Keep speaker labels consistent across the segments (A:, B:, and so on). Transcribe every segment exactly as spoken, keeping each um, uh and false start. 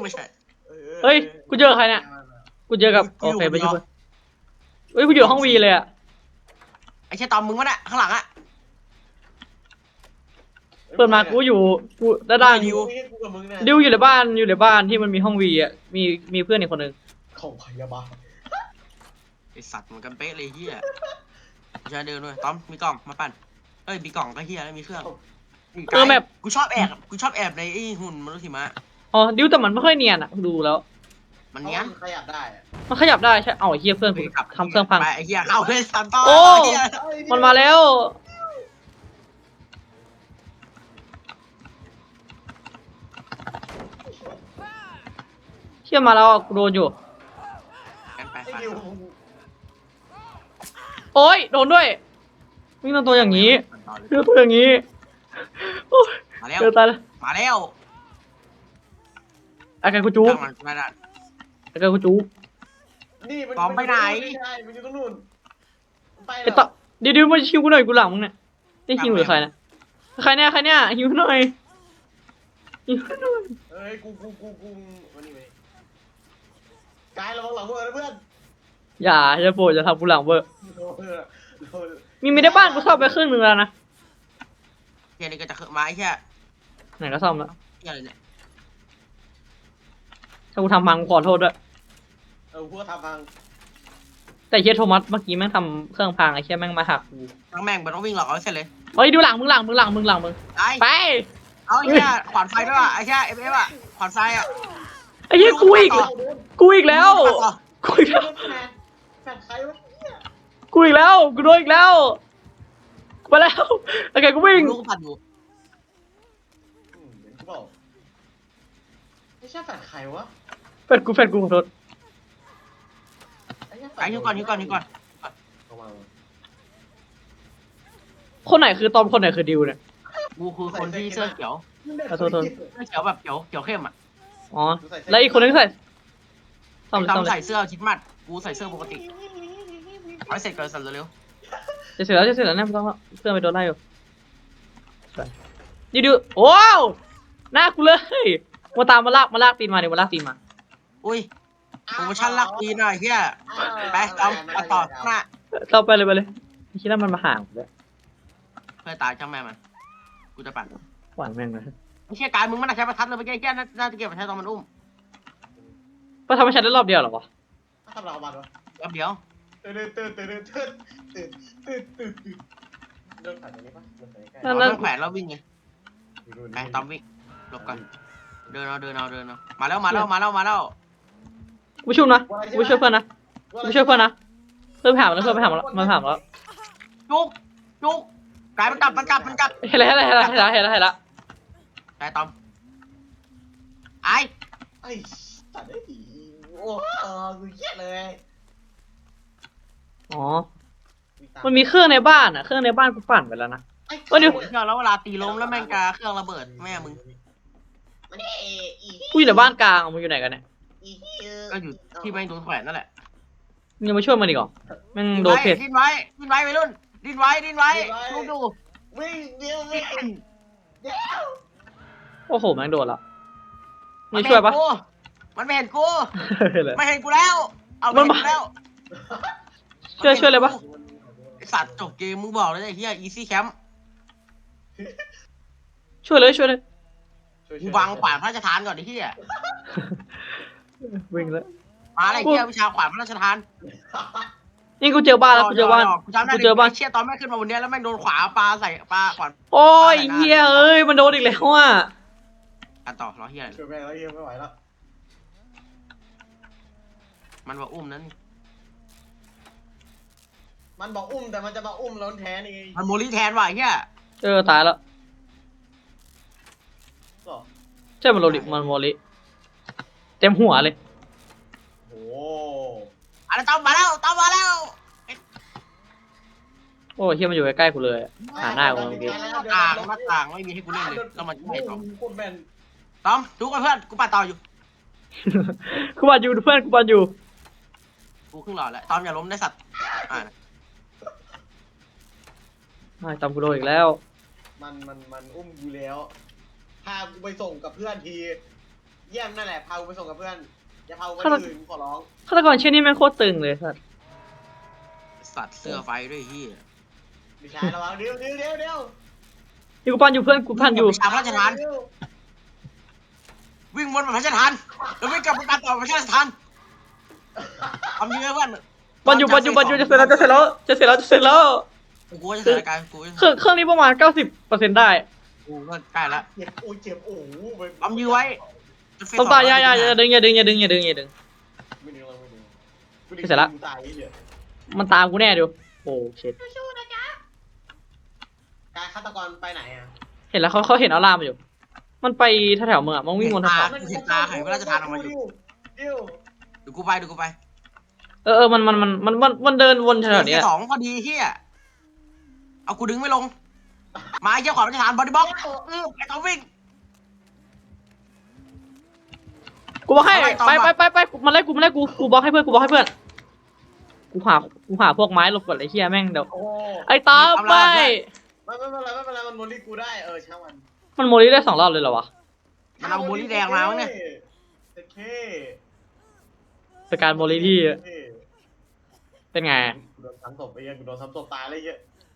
A: ไม่ใช่
B: เฮ้ยกูเจอใครเนี่ยกูเจอกับโอเคไปช่วยเฮ้ยกูอยู่ห้องวีเลยอะ
A: ไอ้เชี่ยตอมมึงวะเนี่ยข้างหลังอะ
B: เปิดมากูอยู่กูด้านล่าง
A: ดิว
B: ดิวอยู่ในบ้านอยู่ในบ้านที่มันมีห้องวีอะมีมีเพื่อนอีกคนนึง
C: ของพยาบาล
A: ไอสัตว์เหมือนกันเป๊ะเลยเฮียจะเดินด้วยตอมมีกล่องมาปั่นเอ้ยมีกล่องก็เฮียแล้วมีเครื่อง
B: เออแบบ
A: กูชอบแอบกูชอบแอบในไอ้หุ่นมนุษย์หิมะ
B: อ๋อดิวแต่มันไม่ค่อยเนียนอะดูแล้ว
A: มันเนี้ย
C: ขยับได้
B: มันขยับได้ใช่เอาไอ้เหี้ยเพื่อนกูทำเครื่องพัง
A: ไอ้เฮียเข้าเลยสันต่อ
B: โอ้มันมาแล้วเชี่ยมาแล้วกูโดนอยู่โอ้ยโดนด้วยวิ่งตัวอย่างนี้เจอตัวอย่างนี้
A: มาแล้ว
B: เจอตายแล้ว
A: มาแล้ว
B: ไอ้ไก่กูจู๊ไอ้ไก่กูจู๊
C: นี่มัน
A: ตอมไปไหน
C: มันอยู่ตรงนู้นไป
B: ไอ้ต่อเดี๋ยวๆมาชิวกูหน่อยกูหลังมึงเนี่ยนี่ฮิวหรือใครนะใครเนี่ยใครเนี่ยฮิวหน่อยฮิวหน่อย
C: เฮ้ยกูกูกูกูวันนี้ไปกายระวังหลังเพื่อนเพื่อน
B: อย่าจะโปรดจะทำกูหลังเบอร์มีไม่ได้บ้านกูซ่อมไปครึ่งนึงแล้วนะ
A: เฮียนี่ก็จะขึ้นมาไอ้เฮีย
B: ไหนก็ซ่อมแล้ว
A: เฮียอะไรเนี่ย
B: ถ้ากูทำพังขอโทษด้วย
C: เออพวกทำพัง
B: แต่เฮียโทมัสเมื่อกี้แม่งทำเครื่องพังไอ้เฮียแม่งมาหักกู
A: ทั้งแม่งมันต้องวิ่งหลอกเอาเสร็จเลย
B: เฮ้ยดูหลังมึงหลังมึงหลังมึงหลังมึงไป
A: เอาไอ้เฮียขวานไฟด้วยว่ะไอ้เฮียเอฟเอฟอ่ะขวานไฟอ่ะ
B: ไอ้เฮียกูอีกกูอีกแล้วกูอีกแล้ว
C: แฟนใครวะ
B: กูอีกแล้วกูโดนอีกแล้วมาแล้วโอเคกูวิ่ง
A: ลูกผัดอยู่
C: เห็นกูบอกไม่ใช่แฟนใครวะ
B: แฟนกูแฟนกูขอโทษ
A: ไอ้ฮิวก่อนฮิวก่อนฮิวก่อน
B: คนไหนคือตอมคนไหนคือดิวเนี่ย
A: กูคือคนที่เสื้อเขียว
B: ขอโทษ
A: เสื้อเขียวแบบเขียวเขียวเข้มอ่ะ
B: อ๋อแล้วอีกคนนึงใส่
A: ตอมใส่เสื้อชิดมัดกูใส่เสื้อปกติเอาเสร็จก่อนสั่นเร็ว
B: จะเสร็จแล้วจะเสร็จแล้วเนี่ยไม่ต้องเพื่อนไปโดนไล่อยู่ดิวโอ้หน้ากูเลยมาตามมาลากมาลากตีนมาเดี๋ยวมาลากตีนมา
A: อุ้ยโปรโมชั่นลักตีนหน่อยเฮียไปตอมต่อหน้า
B: เราไปเลยไปเลยไม่คิดว่ามันมาห่างเลย
A: เพื่อตายช่างแม่มันกูจะปั่น
B: หวานแม่งเลย
A: ไม่ใช่การมึงมันใช้ประทัดเลยไปแก้แก้น่าจะเก็บประทัดตอนมันอุ้ม
B: ก็ทำให้ฉันได้รอบเดียวหรอวะ
C: ทำเราบัตรวะ
A: รอบเดียว
C: ตื่นตื่นตื่นตื่นตื่นตื่นตื่นตื่นเดินผ่านตรงนี้ปะเดินไปใกล้
A: เราต้องแขวนเราวิ่งไงไปตอมวิ่งหลบก่อนเดินเอาเดินเอาเดินเอามาแล้วมาแล้วมาแล้วมาแล้ว
B: กูช่วยนะกูช่วยเพื่อนนะกูช่วยเพื่อนนะเพื่อนผ่านแล้วเพื่อนไปผ่านแล้วมันผ่านแล้ว
A: จุกจุกกลายมันกลับมันกลับมันกลับ
B: เห็นแล้วเห็นแล้วเห็นแล้วเห็นแล้วเห็นแล้ว
A: ไปตอมไอ้
C: ไอ้ตัดได้ดีโอ้กูเยอะเลย
B: อ๋อมันมีเครื่องในบ้านอ่ะเครื่องในบ้านกูปั่นไปแล้วนะ
A: ก็เดี๋ยวแล้วเวลาตีล้มแล้วแม่งกาเครื่องระเบิดแม่มึง
B: กูอยู่ในบ้านกลางมึงอยู่ไหนกันเนี่ย
A: ก็อยู่ที่แม่งโดนแขวนนั่นแหละ
B: มึงยังมาช่วยมันอีกเหรอแม่งโดนเพจ
A: ดิ้นไว้ดิ้นไว้ไปรุ่นดิ้นไว้ดิ้นไว้ลูกดู
C: วิ่งเดียววิ่งเดียว
B: โอ้โหแม่งโดนแล้วมึงช่วยปะ
A: มันไม่เห็นกูไม่เห็นกูแล้วเอามันมาแล้ว
B: ช่วยช่วยเลยปะ
A: สัตว์จบเกมมึงบอกเลยไอ้เหี้ย easy camp
B: ช่วยเลยช่วยเลย
A: กูวางขวานพระราชทานก่อนไอ้เหี้ย
B: วิ่งแล้ว
A: มาอะไรเหี้ยวิชาขวานพระราชทาน
B: นี่กูเจอบ้านแล้วกูเจอบ้านกูเจอบ้าน
A: เชี่ยตอนแม่ขึ้นมาบนนี้แล้วแม่งโดนขวาปลาใส่ปลาขวาน
B: โอ้ยเหี้ยเอ้ยมันโดนอีกแล้วอ่ะ
A: กันต่อรอเหี้ย
C: ช่วยแม่แล้วเหี้ยไม่ไหวแล้ว
A: มันว่าอุ้มนั้น
C: มันบอกอุ้มแต่มันจะมาอุ้มล้นแทนเอง
A: มันโมลี่แทนว่ะเฮีย
B: เออตายแล้วใช่มันโมลี่มันโมลี่เต็มหัวเลย
C: โอ้
A: อะไรตามมาแล้วตามมาแล้ว
B: โอ้เฮียมันอยู่ใกล้ๆกูเลยหาหน้ากูเมื่อกี้
A: ต่างหน้าต่างไม่มีให้กูเล่นเลยแล้วมันไม่ตอมตอมดูกันเพื่อนกูปัดต่ออยู่
B: กูปัดอยู่เพื่อนกูปัดอยู่
A: กูขึ้นหล่อแล้วตอมอย่าล้มได้สัตว์อ่า
B: ไม่ตอมกูโดนอีกแล้ว
C: มันมันมันอุ้มกูแล้วพากูไปส่งกับเพื่อนทีเยี่ยมนั่นแหละพากูไปส่งกับเพื่อนอย่าพากูไปอื่นขอร้อง
B: ฆาตกรเช่นนี้แม่งโคตรตึงเลยสัส
A: สัตว์เสื้อไฟด้วยเฮีย
C: ดิชาระวังเดี๋ยวเดี๋ยวเดี๋ยวเดี๋ยว
B: นี่กูปั้นอยู่เพื่อนกูปั้นอยู่
A: ตามพระราชทานวิ่งวนแบบพระราชทานแล้ววิ่งกลับไปการต่อพระราชทานทำยังไงเพื่อน
B: ปั้นอยู่ปั้นอยู่ปั้นอยู่จะเสร็จแล้วจะเสร็จแล้วจะเสร็จแล้วจะเสร็จแล้ว
A: กูจะเสร็จรายการกู
B: เครื่องเครื่องนี้ประมาณเก้าสิบเปอร์เซ็นต์ได้
A: กูก็ใกล้ละ
C: เจ็บโอ้ยเจ็บโอ้โห
A: ทำยื้อไว้
B: ต้องตายอย่าอย่าอย่าดึงอย่าดึงอย่าดึงอย่าดึงอย่าดึง
C: ไม่ดึงเราไม่ดึง
B: เสร็จละ
C: ตายเหี้ย
B: มันตามกูแน่ดูโอ้เช็ด
C: การฆาตกรไปไหนอ่ะ
B: เห็นแล้วเขาเขาเห็นเอาล่ามมาอยู่ มันไปแถวๆเมืองอะมันวิ่งวนแถว
A: เห็นตาไข่พระราชทานออกมาอยู่
C: เดี๋ยว
A: เดี๋ยวกูไปเดี๋ยวกูไป
B: ๆเออเออมันมันมันมันมันมันเดินวนแถวๆเนี้ย
A: สองพอดีเฮียเอากูดึงไม่ลงมาเยี่ยขอพระราชทานบอดี้บ็อกอือไอ้เขาวิ่ง
B: กูบอกให้
A: เอาไปต่อ
B: ไป
A: มา
B: ไปไปไปมันไล่กูมันไล่กูกูบอกให้เพื่อนกูบอกให้เพื่อนกูหากูหาพวกไม้หลบก่อนไอ้เหี้ยแม่งเดี๋ยว
C: โอ้
B: ไอ้ตาไป
C: ไม่ไม่เป็นไรไม่เป็นไรมันโมลี่กูได้เออช่างมัน
B: มันโมลิได้สองรอบเลยเหรอวะ
A: มันเอาบูลลี่แดงมามั้งเนี่ย
C: โอเค
B: สการโมลิที่
C: โอเค
B: เป็นไง
C: กูโดนซ้ำศพไปยังกูโดนซ้ำศพตายเลยเหี้ย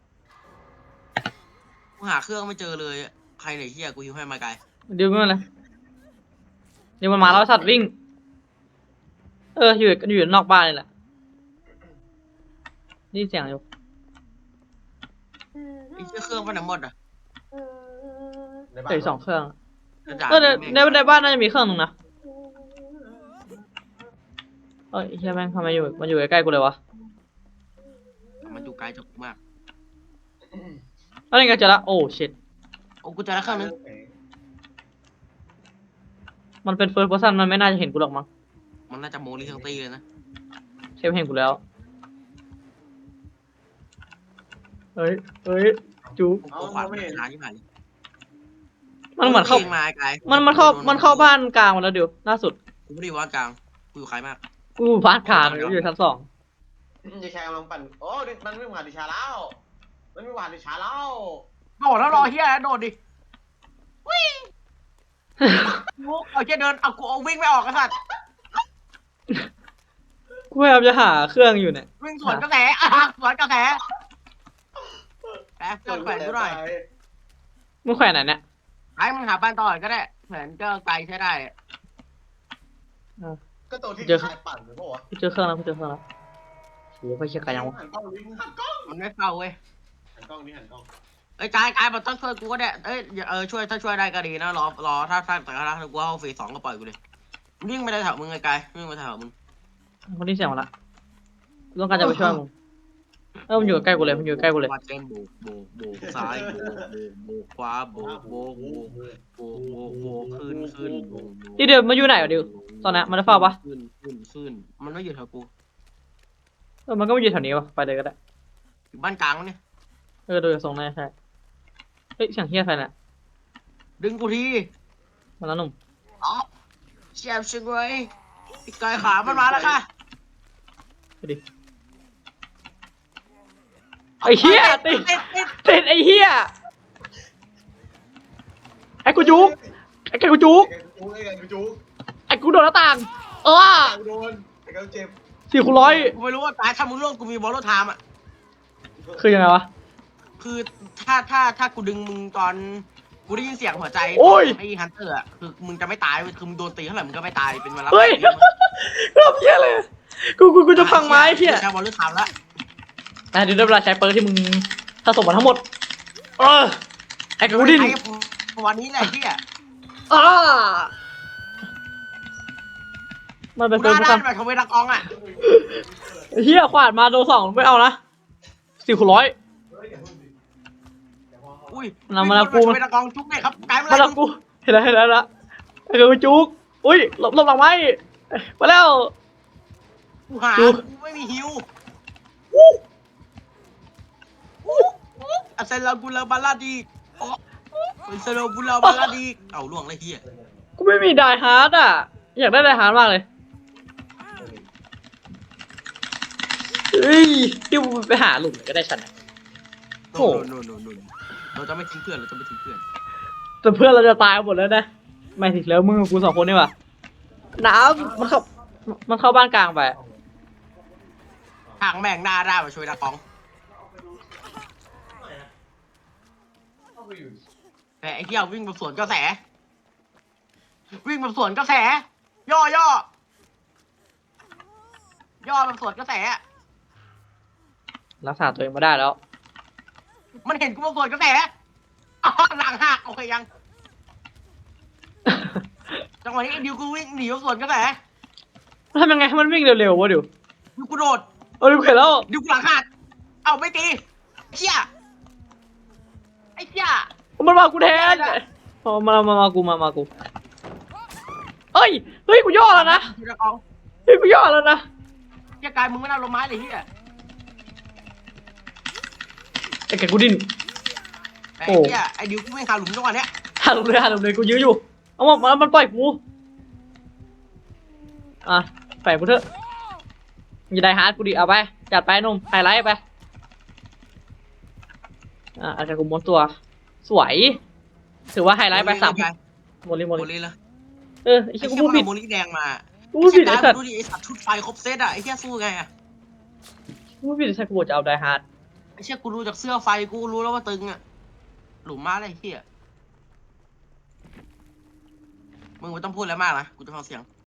A: กูหาเครื่องไม่เจอเลยใครไหนเฮียกูยิงให้มาไกล
B: เดี๋ยวมันเลยเดี๋ยวมันมาแล้วสัตว์วิ่ง เอออยู่อยู่นอกบ้านนี่แหละนี่เสียงอยู่
A: ไอ้เชี่ยเครื่องไปไหนหมดอ่ะ
C: ในบ้าน
B: เจออกสองเครื่อง
A: กระดาษ
B: เออในในในบ้านน่าจะมีเครื่องหนึงนะเอ้ยเฮียแม่งทำไมอยู่มันอยู่ใกล้ๆกูเลยวะ
A: มันอยู่ไกลจากกูมาก
B: แล้วนี่ก็เจอละโอ้ชิต
A: โอ้กูเจอแล้วเครื่องนึง
B: มันเป็นเฟิร์สเพอร์ซันมันไม่น่าจะเห็นกูหรอกมั้ง
A: มันน่าจะโมลิทั้งตีเลยนะ
B: เชฟเห็นกูแล้วเฮ้ยเฮ้ยจูบ
A: กูขวานไม่เห็นร้านที่ผ่าน
B: มันเหมือนเข้า
A: มาไกล
B: มันมันเข้ามันเข้าบ้านกลางมาแล้วเดี๋ยวล่าสุด
A: กูไม่ได้อยู่บ้านกลางกูอยู่ใครมาก
B: กูบ้านกลางอยู่อยู่ชั้นสอง
C: ดิชากำลังปั่นโอ้มันไม่ผ่านดิชาแล้วมันไม่ผ่านดิชาแล้ว
A: โดดแล้วรอเฮียโดดดิวิ่งเอาเชี่ยเดินเอากูเอาวิ่งไม่ออกกษัตริย์
B: กูพยายามจะหาเครื่องอยู่เนี่ย
A: วิ่งสวนกระแสอ่ะสวนกระแสแป๊บเกิดแขวนกูหน่อย
B: มึงแขวนไหนเนี่ย
A: ไอ้มึงหาบ้านต่อก็ได้แขวนก็ไกลใช้ได้
C: ก็ตัวที่ชายปั่นหรือเปล่าวะ
B: กูเจอเครื่องแล้วกูเจอเครื่องแล้วโอ้ยไปเชียร์กันยังวะ
C: หันกล้องนี้หันกล้อง
A: มันไม่เข้าเว้ย
C: หันกล้องนี้หันกล้อง
A: เอ้ยกายกายมันต้องช่วยกูก็ได้เอ้ยเออช่วยถ้าช่วยได้ก็ดีนะรอรอถ้าถ้าแต่ถ้ากูเอาฟรีสองก็ปล่อยกูเลยวิ่งไปได้แถวมึงไงกายวิ่งไปแถวมึง
B: คนที่เสียงมาละกูต้องการจะไปช่วยมึงเออมันอยู่ใกล้กูเลยมันอยู่ใกล้กูเลย
A: วัดเต้นโบกโบกโบกซ้ายโบกโบกโบกขวาโบกโบกโบกโบกโบกโบกขึ้นขึ้นโบกโบก
B: นี่เดี๋ยวมันอยู่ไหนวะดิวตอนนี้มันได้เฝ้าปะ
A: ขึ้นขึ้นขึ้นมันไม่อยู่แถวกู
B: เออมันก็ไม่อยู่แถวนี้วะไปเลยก็ได้
A: อยู่บ้านกลางเนี่ย
B: เออดูจากทรงน่าจะใช่เฮ้ยเสียงเฮียใครเนี่ย
A: ดึงกูที
B: มาแล้วหนุ่ม
A: อ๋อเจ็บชิงเลยพี่กายขามันมาแล้วค่ะ
B: ไปดิไอ้เฮียติด
A: ติดติด
B: ติดไอ้เฮียไอ้กูจุกไอ้กูจุก
C: ไอ้กูไอ้กูจุก
B: ไอ้กูโดนหน้าต่างเออ
C: ไอ้กูโดนไอ้กูเจ็บ
B: สี่คูณร้อย
A: กูไม่รู้ว่าตายถ้ามึงร่วงกูมีบอลโลไทม์อ่ะ
B: คือยังไงวะ
A: คือถ้าถ้าถ้ากูดึงมึงตอนกูได้ยินเสียงหัวใจ
B: โอ้ย
A: ไอ้ฮันเตอร์อ่ะคือมึงจะไม่ตายเว้ยคือมึงโดนตีเท่าไหร่มึงก็ไม่ตายเป็นเวลา
B: เฮ้ยรอบเฮียเลยกูกูกูจะพังไม้เฮีย
A: ใช้บอลลูนทำละ
B: อ่ะเดี๋ยวได้เวลาใช้เปิร์กที่มึงสะสมมาทั้งหมดเออไอ้กูดิน
A: ไอ้วันนี้แหละที่อ่ะ
B: อ่ามันเป็น
A: กู
B: เปิร์ก
A: หน้า
B: ผู้
A: ด้าน
B: ทำ
A: แบบทเวดากองอ่ะ
B: เฮียขวาดมาโดนสองไม่เอานะสี่คูณร้อย
A: อุ้ย
B: นำมาแล้วกู
A: ทเวดากองจุ๊บเนี่ยครับกลายเป็น
B: มาแล้วกูเห็นแล้วเห็นแล้วละไอ้กูจุกอุ้ยหลบหลบหลังไม้มาแล้ว
A: กูหา
B: จุ๊บ
A: กูไม่มีฮิวอัเซลากูลาบาลาดีอ๋ออัเซลากูลาบาลาดีเอาล่วงเลยที่อ่ะ
B: กูไม่มีไดฮาร์ดอ่ะอยากได้ไดฮาร์ดมากเลยเฮ้ยที่กูไปหาหลุมก็ได้ฉันนะ
A: โน่นโน่นโน่นโน่นเราจะไม่ทิ้งเพื่อนเราจะไม่ทิ้งเพื่อน
B: แต่เพื่อนเราจะตายหมดแล้วนะไม่ถึงแล้วมึงกับกูสองคนนี่หว่าน้ำมันเข้ามันเข้าบ้านกลางไป
A: ทางแม่งหน้าได้มาช่วยตะกอง
C: เข้าไปอยู่
A: แต่ไอ้เหี้ยวิ่งแบบสวนกระแส วิ่งแบบสวนกระแส ย่อย่อย่อแบบสวนกระแส
B: รักษาตัวเองมาได้แล้ว
A: มันเห็นกูแบบสวนกระแสอ๋อหลังหักโอเคยัง จังหวะนี้ไอ้ดิวกูวิ่งหนีแบบสวนกระแส
B: ทำยังไงให้มันวิ่งเร็วๆวะดิว
A: ดิวกูโดด
B: เออดิวเห็นแล้ว
A: ดิวกูหลังหักเอาไม่ตีไอ้เชี่ยไอ้เชี่ย
B: มันมากูแทนพอมามามากูมามากูเอ้ยเฮ้ยกูย่อแล้วนะ
A: ช่วยตะกอง
B: เฮ้ยกูย่อแล้วนะ
A: เชี่ยกายมึงไม่น่าลงไม้เลยเหี้ย
B: ไอ้แกกูดิ้น
A: ไอ้
B: โอ้
A: เหี้ยไอ้ดิวกูไม่งหาหลุมจังหวะเนี้ย
B: หันลงเลยหันลงเลยกูยื้ออยู่เอามามันปล่อยกูอ่ะแฝงกูเถอะอย่าได้ฮาร์ดกูดิเอาไปจัดไปหนุ่มไฮไลท์ไปอ่ะอาจจะกูม้วนตัวสวยถือว่าไฮไลท์ไปสามโมลิโม
A: โม
B: ลิ
A: ลีละ
B: เออไอ้
A: ไอ้
B: เชี่ย
A: เชี่
B: กู
A: ย
B: พูด
A: มัน
B: ผิด
A: เอาโมลีแดงมา
B: กูพูดผิดไอ้สัตว์
A: ดูดิไอ้สัตว์ชุดไฟครบเซตอ่ะไอ้เชี่ยสู้ไงอ่ะ
B: กูพูดผิดไอ้สัตว์กูบอกจะเอาไดฮาร์ด
A: ไอ้เชี่ยกูดูจากเสื้อไฟกูรู้แล้วว่าตึงอ่ะหลุมมาเลยไอ้เหี้ยมึงไม่ต้องพูดอะไรมากนะกูจะฟังเสียง